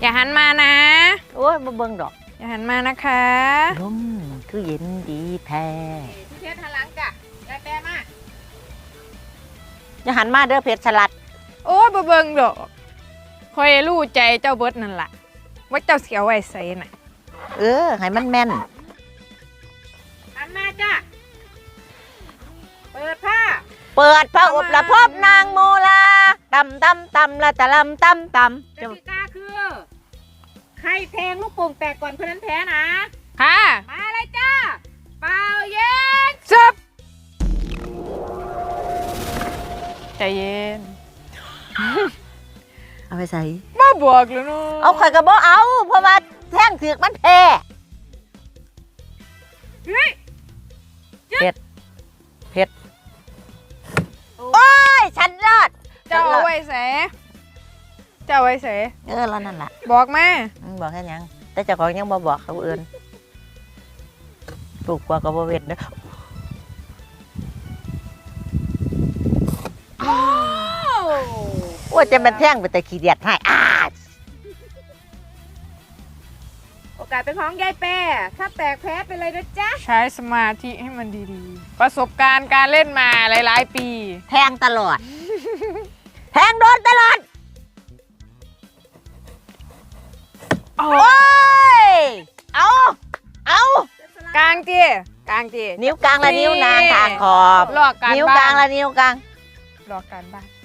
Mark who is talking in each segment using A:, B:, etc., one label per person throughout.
A: อย่าหันมานะ
B: โอ้ยมาเบิ่งดอก
A: อย่าหันมานะคะ
B: ลมคือเย็นดีแท้
A: พี่เพชรหันหลังจ้ะได้แปรมา
B: อย่าหันมาเด้อเพชรสลัด
A: โอ้ยบ่เบิ่งดอกคอยรู้ใจเจ้าเบิดนั่นล่ะว่าเจ้าเสียไว้ใส่น่ะ
B: ให้มันแม่น
A: หันมาจ้ะเปิดผ้า
B: อบละพบนางโมลาตำละตะลำตำ
C: กติกาคือใครแทงลูกโป่งแตกก่อนคนนั้นแพ้นะ
A: ค่ะ
C: มาเลยจ้าเป่าเย็น
A: ซับใจเย็น
B: เอาไปใส่
A: บ่บวกแล้วเนาะ
B: เอาข่อยก็บ่เอาเพราะว่าแท่งถือกมันแพ้เผ็ดโอ้ยฉันรอด
A: เจ้าเอาไว้แสเจ้าไว้แส
B: แล้วนั่นแหละ
A: บอกแม่
B: บอกแค่ยังแต่เจ้าของยังบ่บอกเขาอื่นปลูกกว่าก็บ่เวทเด้อว่าจะมันแท่งไปแต่ขี้เดียดให้
C: โอกาสเป็นของยายแปรถ้าแตกแพ้ไปเลยนะจ๊ะ
A: ใช้สมาธิให้มันดีๆประสบการณ์การเล่นมาหลายๆปี
B: แทงตลอดแทงโดนตลอดโอ้ยเอา
A: กลางจี
B: นิ้วกลางและนิ้วนางทางขอบ
A: ลอกการ
B: นิ้วกลางและนิ้วกลาง
A: ลอกการบ้าน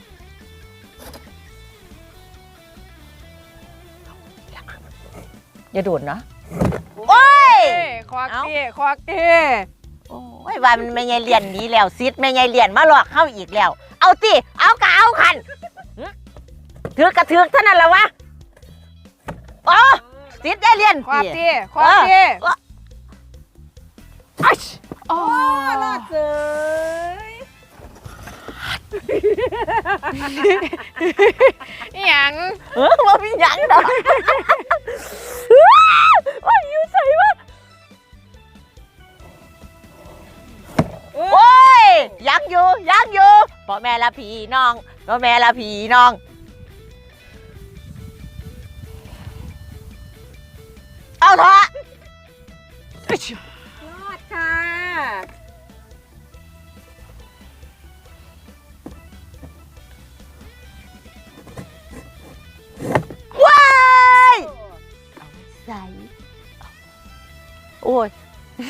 B: อย่าดูดเนาะโอ้ย
A: ควักเต้
B: โอ้ยว่ามันไม่ใช่เรียนนี้แล้วซิดไม่ใช่เรียนมาหลอกเข้าอีกแล้วเอาติเอากะเอาคันถือกระถือเท่านั้นแหละวะโอ้ซิดได้เรียน
A: ควักเต้
C: โอ้รอดเลย
A: หยัง
B: ว่ามีหยังดอกว่าอยู่ใส่วะโอ้ยยังอยู่พ่อแม่ละพี่น้องเอาเถอะ
C: รอดค่ะ
B: ว้ายใส่โอ้ย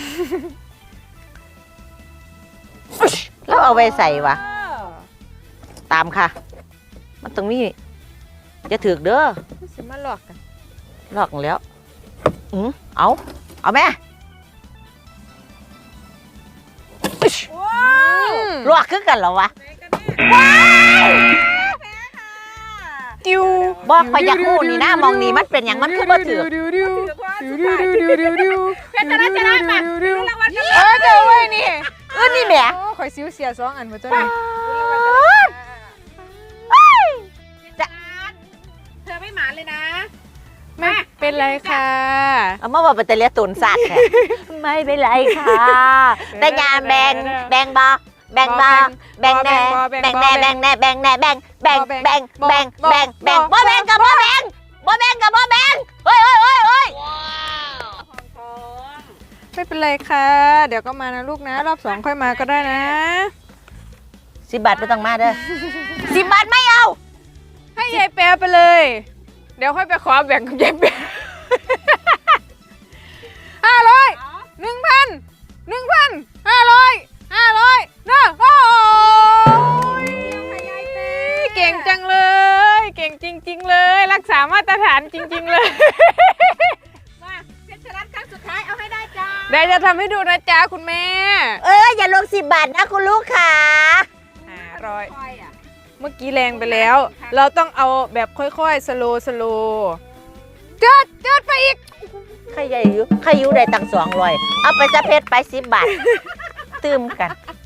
B: แล้วเอาไปใส่วะตามค่ะมันตรงนี้จะถือเด้อ
A: สิมาหลอกกัน
B: หลอกแล้วเอาแม่ลวกขึ้นกันเหรอวะ
A: ติว
B: บอกพยักคู่นี่นะมองนี่มันเป็นอย่างมันคือบ่ถือ
C: เพชรชนะมารางวัลกัน
A: เจ้าไว้นี่
B: นี่แหม่
A: ข่อยซิ้วเสีย2 อันมาจ้ะนี่
C: เธอไม่หมานเลยนะ
A: ไม่เป็นไรค่ะ
B: เอามาบอกเป็นตะเลียตุนสัตว์ไม่เป็นไรค่ะแต่งานแบ่งแน่บ่แบ่งบ่แบ่งกับบ่แบ่งเฮ้ย
A: ไม่เป็นไรค่ะเดี๋ยวก็มานะลูกนะรอบ2ค่อยมาก็ได้นะ
B: 10 บาทไม่ต้องมาเด้อ10 บาทไม่เอา
A: ให้ยายแปรไปเลยเดี๋ยวค่อยไปขอแบ่งกับยายแปร500 1,000 500นะโอ้ยเก่งจังเลยเก่งจริงๆเลยรักษามาตรฐานจริงๆเลย
C: มาเพชรชนะครั้งสุดท้ายเอาให้ได้จ้า
A: เดี๋ยวจะทำให้ดูนะจ๊ะคุณแม่
B: อย่าลง10 บาทนะคุณลูกค่ะ
A: 500เมื่อกี้แรงไปแล้วเราต้องเอาแบบค่อยๆสโลเจิดไปอีก
B: ใครอยู่ได้ตั้ง200เอาไปจะเพชรไป10 บาทตื้มกัน